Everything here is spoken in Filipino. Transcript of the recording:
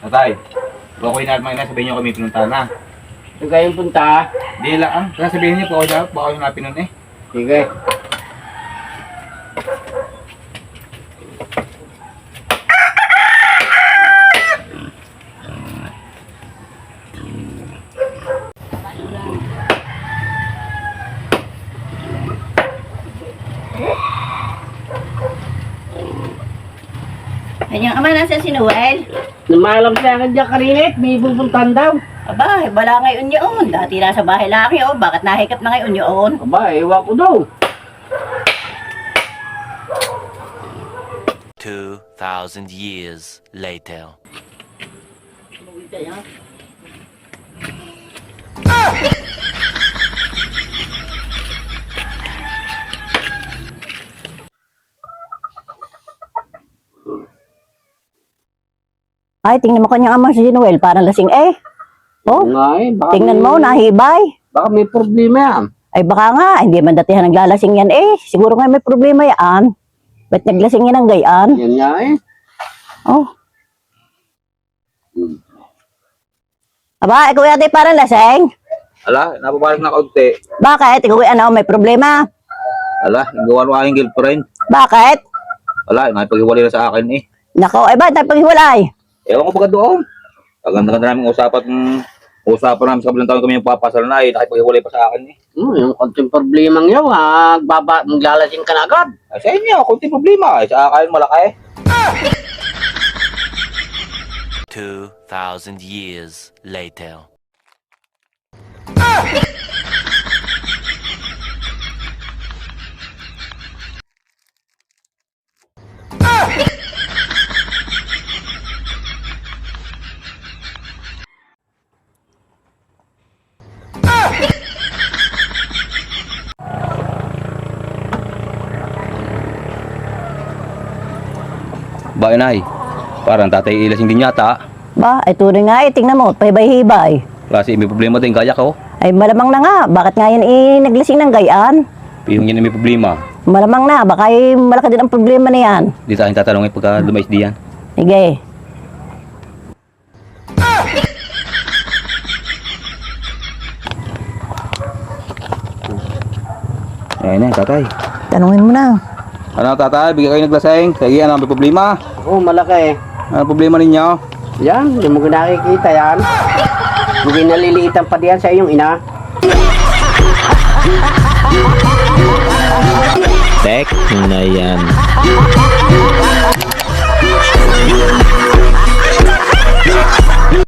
Tatay, okay na mga sabihin niyo kami pinunta na. Ito kayong punta. Di lang, kaya sabihin niyo po ako baka yung napin nun eh. Sige. Kanyang ama, nasa si Noel? Namalam sa akin dyan karinit. May pupuntahan daw. Aba, wala ngayon yun. Dati nasa bahay lang yun. Bakit nahikap na ngayon yun? Aba, ewan ko daw. 2,000 years later. Ay, tingnan mo kanyang ama si Noel. Parang lasing eh. Oh, Baka tingnan mo, nahibay. Baka may problema yan. Ay baka nga, hindi man datihan naglalasing yan eh. Siguro nga may problema yan. Ba't naglasing yan ang gayaan? Yan nga eh. Oh. Aba, ikaw yata parang lasing. Ala, napabalik na kaunti. Bakit? Ikaw ano, may problema. Ala, gawa ng aking girlfriend. Bakit? Ala, nakipaghiwalay na sa akin eh. Nako, ay ba't nagpaghiwalay? Ewan ko pagka doon. Ganda namin usapan namin sa kabilang taon kami yung papasal na eh. Nakipaghiwalay pa sa akin eh. Yung konting problemang yun, maglalasing ka na agad. Ay, sa inyo, kunti problema. Ay, sa akin malaki. 2,000 years later. Ba, inay. Parang tatay ilasing din yata. Ba, ay tunay nga eh. Tingnan mo, paibay-hibay. Kasi may problema din, kaya ko. Ay malamang na nga. Bakit nga yan naglasing ng gayaan? Yung yan may problema. Malamang na. Baka malaki din ang problema na yan. Di tayong tatanungin pagka lumais diyan. Sige. Ayun na, tatay. Tanungin mo na. Ano tatay, bigyan kayo naglasing. Sige, ano may problema? Oo, malaki. Ano problema ninyo? Yan, hindi mo nakikita yan. Hindi naliliitan pa diyan sa iyong ina. Tek na yan.